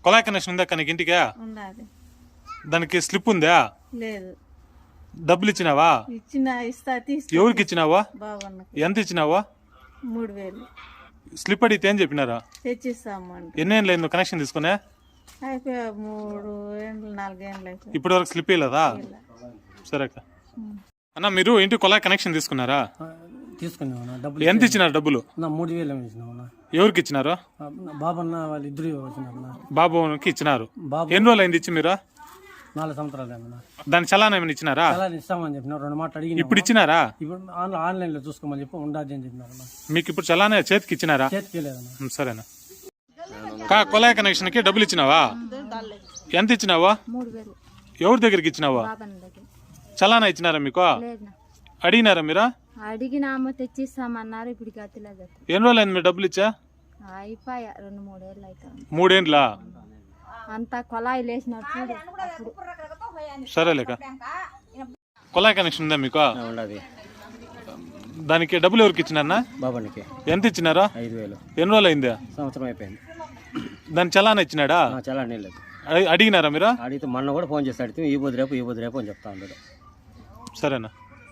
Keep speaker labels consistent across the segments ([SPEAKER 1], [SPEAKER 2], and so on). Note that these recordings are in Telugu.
[SPEAKER 1] కొలాయి కనెక్షన్ ఉందా నీకు ఇంటికి?
[SPEAKER 2] ఉండాలి.
[SPEAKER 1] దానికి స్లిప్ ఉందా?
[SPEAKER 2] లేదు.
[SPEAKER 1] డబ్బులు ఇచ్చినావా?
[SPEAKER 2] ఇస్తా తీసుకో.
[SPEAKER 1] ఎవరికి ఇచ్చినావా?
[SPEAKER 2] బావన్నకి.
[SPEAKER 1] ఎంత ఇచ్చినావా?
[SPEAKER 2] 3000.
[SPEAKER 1] స్లిప్ అడిగితే ఏం చెప్పినారా?
[SPEAKER 2] తెచ్చిస్తాము.
[SPEAKER 1] ఎన్ని ఏళ్ళు అయింది కనెక్షన్ తీసుకునే?
[SPEAKER 2] అయిపోయా 3 ఏళ్ళు 4 ఏళ్ళు అయిపోయి.
[SPEAKER 1] ఇప్పటి వరకు స్లిప్ ఇవ్వలేదా? సరే అక్క. అన్న మీరు ఇంటి కొలాయి కనెక్షన్ తీసుకున్నారా?
[SPEAKER 3] తీసుకున్నాను. డబ్బులు
[SPEAKER 1] ఎంత ఇచ్చినారు? డబ్బులు
[SPEAKER 3] 3000 ఇచ్చినా.
[SPEAKER 1] ఎవరికి ఇచ్చినారు?
[SPEAKER 3] బాబన్న వాళ్ళు ఇద్దరు వచ్చిన
[SPEAKER 1] బాబుకి ఇచ్చినారు.
[SPEAKER 3] బాబు
[SPEAKER 1] ఎన్ని రోజులు అయింది ఇచ్చి మీరు?
[SPEAKER 3] 4 సంవత్సరాలు ఏమన్నా.
[SPEAKER 1] దాని చలానా ఏమైనా ఇచ్చినారా?
[SPEAKER 3] చలానా ఇస్తామని చెప్పిన 2 మాటలు అడిగి.
[SPEAKER 1] ఇప్పుడు ఇచ్చినారా?
[SPEAKER 3] ఇప్పుడు ఆన్లైన్ లో చూసుకోమని చెప్పి ఉండదు అని చెప్పినారు.
[SPEAKER 1] మీకు ఇప్పుడు చలానా చేతికి ఇచ్చినారా?
[SPEAKER 3] చేతికి లేదన్నా.
[SPEAKER 1] సరేనా. కొలాయి కనెక్షన్ కి డబ్బులు ఇచ్చినావా? ఎంత ఇచ్చినావా?
[SPEAKER 2] 3000.
[SPEAKER 1] ఎవరి దగ్గరికి ఇచ్చినావా? చలానా ఇచ్చినారా మీకు? అడిగినారా మీరు?
[SPEAKER 2] అడిగినామో తెచ్చిస్తామన్నారు. ఇప్పుడు గతిలేదు.
[SPEAKER 1] ఎన్ని రోజులు అయింది మీరు డబ్బులు ఇచ్చా?
[SPEAKER 2] అయిపోయా 2-3 ఏళ్ళు అవుతాయి.
[SPEAKER 1] 3 ఏండ్లా?
[SPEAKER 2] అంతా కొలాయి లేచినట్టు.
[SPEAKER 1] సరేలేక. కొలాయి కనెక్షన్ ఉందా మీకు?
[SPEAKER 3] ఉండదు.
[SPEAKER 1] దానికి డబ్బులు ఎవరికి ఇచ్చినారా?
[SPEAKER 3] బాబానికి.
[SPEAKER 1] ఎంత ఇచ్చినారా?
[SPEAKER 3] 5000.
[SPEAKER 1] ఎన్ని రోజులు అయిందా?
[SPEAKER 3] సంవత్సరం అయిపోయింది.
[SPEAKER 1] దాని చలానా ఇచ్చినాడా?
[SPEAKER 3] చలానా లేదు.
[SPEAKER 1] అడిగినారా మీరు?
[SPEAKER 3] అడిగితే మొన్న కూడా ఫోన్ చేసి అడిగితే ఈ బుద్ధి రేపు అని చెప్తా ఉన్నాడు.
[SPEAKER 1] సరేనా.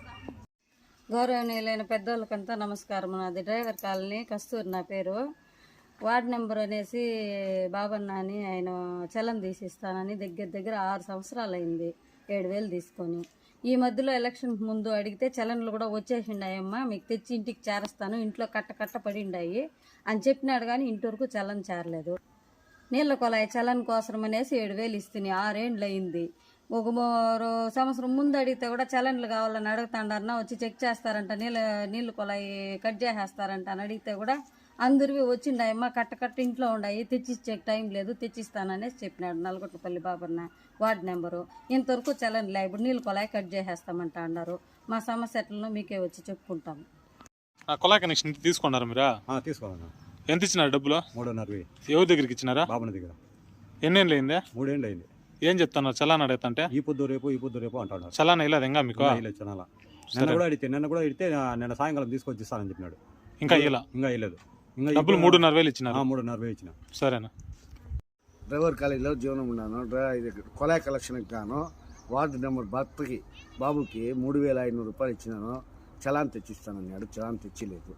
[SPEAKER 4] గౌరవనీయులైన పెద్దోళ్ళకంతా నమస్కారం. నాది డ్రైవర్ కాలనీ, కస్తూరి నా పేరు. వార్డ్ నెంబర్ అనేసి బాబన్న అని ఆయన చలం తీసిస్తానని దగ్గర 6 సంవత్సరాలు అయింది. 7000 తీసుకొని. ఈ మధ్యలో ఎలక్షన్ ముందు అడిగితే చలన్లు కూడా వచ్చేసిండాయమ్మా, మీకు తెచ్చి ఇంటికి చేరస్తాను, ఇంట్లో కట్ట పడిండాయి అని చెప్పినాడు. కానీ ఇంటి చలన్ చేరలేదు. నీళ్ళ కొలాయి చలన్ కోసం అనేసి 7000 ఇస్తుంది. 6 ఏండ్లు అయింది. ఒక సంవత్సరం ముందు అడిగితే కూడా చలన్లు కావాలని అడుగుతాండారన్నా, వచ్చి చెక్ చేస్తారంట, నీళ్ళు కొలాయి కట్ చేసేస్తారంట అని అడిగితే కూడా అందరివి వచ్చిండాయమ్మా, కట్ట ఇంట్లో ఉన్నాయి, తెచ్చిచ్చే టైం లేదు, తెచ్చిస్తాననేసి చెప్పినాడు. నల్గొట్లపల్లి బాబన్న వార్డు నెంబరు. ఇంతవరకు చలన్లే. ఇప్పుడు నీళ్ళు కొలాయి కట్ చేసేస్తామంట అన్నారు. మా సమస్య ఎట్లనో మీకే వచ్చి చెప్పుకుంటాము.
[SPEAKER 1] కొలాయి కనెక్షన్ తీసుకున్నారా మీరు?
[SPEAKER 3] తీసుకోవాలన్నా.
[SPEAKER 1] ఎంత ఇచ్చినారు డబ్బులు?
[SPEAKER 3] 3.5.
[SPEAKER 1] ఎవరి దగ్గరికి ఇచ్చినారా?
[SPEAKER 3] బాబన్న దగ్గర.
[SPEAKER 1] ఎన్ని ఏళ్ళు అయిందా?
[SPEAKER 3] 3 ఏండ్లు అయింది.
[SPEAKER 1] ఏం చెప్తున్నారు? చలానా అడుగుతుంటే
[SPEAKER 3] ఈ పొద్దు రేపు అంటున్నారు.
[SPEAKER 1] చలానా ఇలా ఇంకా మీకు?
[SPEAKER 3] చలానా నిన్న కూడా అడిగితే నిన్న సాయంకాలం తీసుకొచ్చి ఇస్తానని చెప్పినాడు.
[SPEAKER 1] ఇంకా ఇలా
[SPEAKER 3] ఇవ్వలేదు.
[SPEAKER 1] డబ్బులు 3.5 ఇచ్చినారు.
[SPEAKER 3] 3.5 ఇచ్చిన.
[SPEAKER 1] సరేనా.
[SPEAKER 5] డ్రైవర్ కాలేజీలో జీవనం ఉన్నాను. కొలాయి కలెక్షన్కి గాను వార్డు నెంబర్ భర్తకి బాబుకి 3500 రూపాయలు ఇచ్చినాను. చలాన్ తెచ్చిస్తానన్నాడు. చలాన్ తెచ్చిలేదు.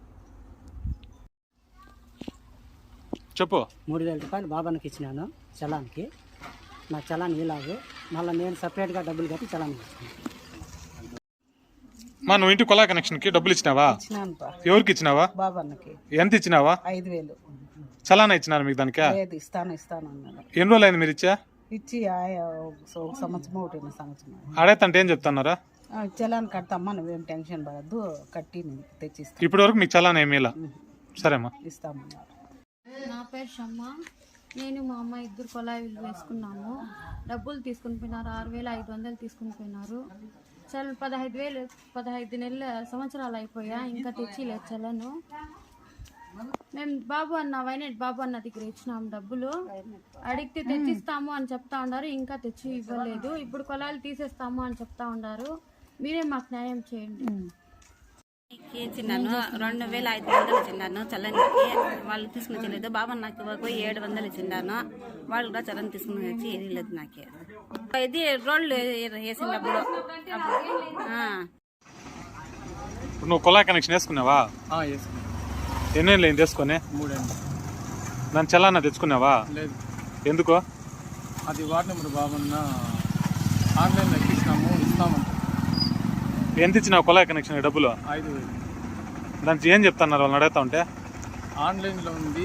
[SPEAKER 1] చెప్పు.
[SPEAKER 6] 3000 రూపాయలు బాబానికి ఇచ్చినాను చలాన్కి. నా చలాన్ ఇలాగే మళ్ళీ నేను సపరేట్గా డబ్బులు కట్టి చలాన్ ఇచ్చాను.
[SPEAKER 1] నువ్వు ఇంటి కొలాయి కనెక్షన్ కి డబ్బులు ఇచ్చినావా? ఎవరికి ఇచ్చినావా?
[SPEAKER 6] బాబాన్నకి.
[SPEAKER 1] ఎంత ఇచ్చినావా?
[SPEAKER 6] 5000.
[SPEAKER 1] చలానా ఇచ్చినారు మీకు దానికి?
[SPEAKER 6] ఇస్తాను అన్నాడు.
[SPEAKER 1] ఎన్ని రోజులు అయింది మీరు ఇచ్చా?
[SPEAKER 6] ఇచ్చి సంవత్సరం 1 సంవత్సరం.
[SPEAKER 1] అడగతంటే ఏం చెప్తున్నారా?
[SPEAKER 6] చలాన్ కడతామ్మా, నువ్వేం టెన్షన్ పడద్దు, కట్టి నేను తెచ్చిస్తాను.
[SPEAKER 1] ఇప్పటి వరకు మీకు చలానా ఏమీ ఇలా? సరేమ్మా.
[SPEAKER 6] ఇస్తామన్నారు.
[SPEAKER 2] నా పేరు షమ్మ. నేను మా అమ్మ ఇద్దరు కొలాయిలు వేసుకున్నాము. డబ్బులు తీసుకుని పోయినారు. 6500 తీసుకుని పోయినారు. చల్ 15 నెలల సంవత్సరాలు అయిపోయా, ఇంకా తెచ్చిలేదు చలను. మేము వైనెట్ బాబు అన్న దగ్గర ఇచ్చినాము డబ్బులు. అడిగితే తెచ్చిస్తాము అని చెప్తా ఉన్నారు, ఇంకా తెచ్చి ఇవ్వలేదు. ఇప్పుడు కొలాయిలు తీసేస్తాము అని చెప్తా ఉన్నారు. మీరే మాకు న్యాయం చేయండి.
[SPEAKER 4] ఇచ్చినాను 2500 ఇచ్చినాను చలన్కి. వాళ్ళు తీసుకుని వచ్చలేదు. బాబా నాకు 700 ఇచ్చినాను. వాళ్ళు కూడా చలన్ తీసుకుని వచ్చి ఏరియలేదు నాకే. ఇది రోడ్లు వేసిన డబ్బులు.
[SPEAKER 1] నువ్వు కొలాయి కనెక్షన్ వేసుకున్నావా? ఎన్ని ఏళ్ళు అయింది వేసుకొని?
[SPEAKER 3] 3 ఏండ్లు.
[SPEAKER 1] దాని చలానా తెచ్చుకున్నావా?
[SPEAKER 3] లేదు.
[SPEAKER 1] ఎందుకో?
[SPEAKER 3] అది వార్డు నెంబర్ బాబన్న ఆన్లైన్లో ఇస్తామంట.
[SPEAKER 1] ఎంత ఇచ్చినావు కొలాయి కనెక్షన్ డబ్బులు?
[SPEAKER 3] 5000.
[SPEAKER 1] దానికి ఏం చెప్తున్నారు వాళ్ళని అడుగుతా ఉంటే?
[SPEAKER 3] ఆన్లైన్లో ఉంది.